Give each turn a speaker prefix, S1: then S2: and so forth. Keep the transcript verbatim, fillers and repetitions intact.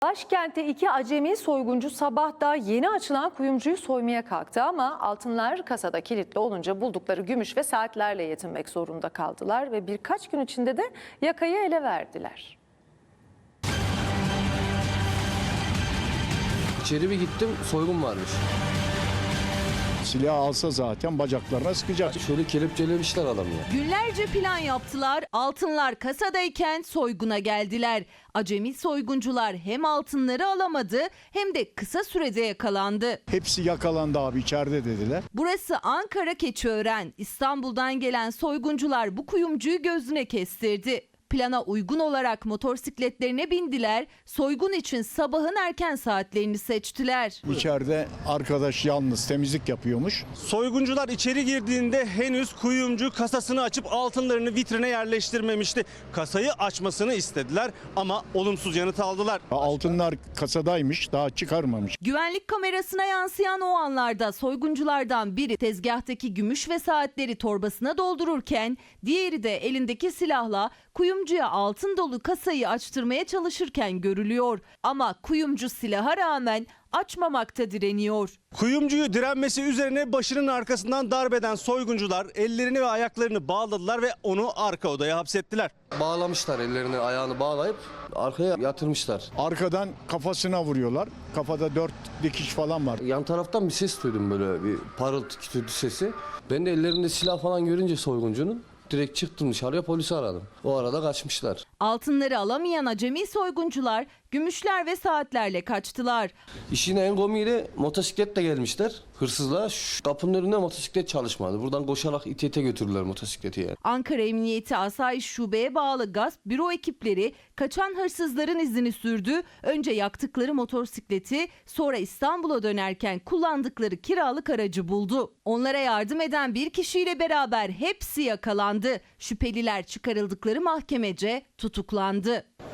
S1: Başkentte iki acemi soyguncu sabah da yeni açılan kuyumcuyu soymaya kalktı ama altınlar kasada kilitli olunca buldukları gümüş ve saatlerle yetinmek zorunda kaldılar ve birkaç gün içinde de yakayı ele verdiler.
S2: İçeri bir gittim, soygun varmış.
S3: Silah alsa zaten bacaklarına sıkacak.
S2: Şöyle kelepçelemişler adamı ya.
S4: Günlerce plan yaptılar, altınlar kasadayken soyguna geldiler. Acemi soyguncular hem altınları alamadı hem de kısa sürede yakalandı.
S3: Hepsi yakalandı abi, içeride dediler.
S4: Burası Ankara Keçiören. İstanbul'dan gelen soyguncular bu kuyumcuyu gözüne kestirdi. Plana uygun olarak motosikletlerine bindiler, soygun için sabahın erken saatlerini seçtiler.
S3: İçeride arkadaş yalnız temizlik yapıyormuş.
S5: Soyguncular içeri girdiğinde henüz kuyumcu kasasını açıp altınlarını vitrine yerleştirmemişti. Kasayı açmasını istediler ama olumsuz yanıt aldılar.
S3: Altınlar kasadaymış, daha çıkarmamış.
S4: Güvenlik kamerasına yansıyan o anlarda soygunculardan biri tezgahtaki gümüş ve saatleri torbasına doldururken diğeri de elindeki silahla kuyumcuya altın dolu kasayı açtırmaya çalışırken görülüyor. Ama kuyumcu silaha rağmen açmamakta direniyor.
S5: Kuyumcuyu direnmesi üzerine başının arkasından darbeden soyguncular ellerini ve ayaklarını bağladılar ve onu arka odaya hapsettiler.
S2: Bağlamışlar, ellerini ayağını bağlayıp arkaya yatırmışlar.
S3: Arkadan kafasına vuruyorlar. Kafada dört dikiş falan var.
S2: Yan taraftan bir ses duydum, böyle bir parıltı kütürtü sesi. Ben de ellerinde silah falan görünce soyguncunun direkt çıktım dışarıya, polisi aradım. O arada kaçmışlar.
S4: Altınları alamayan acemi soyguncular gümüşler ve saatlerle kaçtılar.
S2: İşin en komiğiyle motosikletle gelmişler. Hırsızlar şu kapının önünde motosiklet çalışmadı. Buradan koşarak ite ite götürdüler motosikleti yani.
S4: Ankara Emniyeti Asayiş Şube'ye bağlı gasp büro ekipleri kaçan hırsızların izini sürdü. Önce yaktıkları motosikleti, sonra İstanbul'a dönerken kullandıkları kiralık aracı buldu. Onlara yardım eden bir kişiyle beraber hepsi yakalandı. Şüpheliler çıkarıldıkları mahkemece tutuklandı.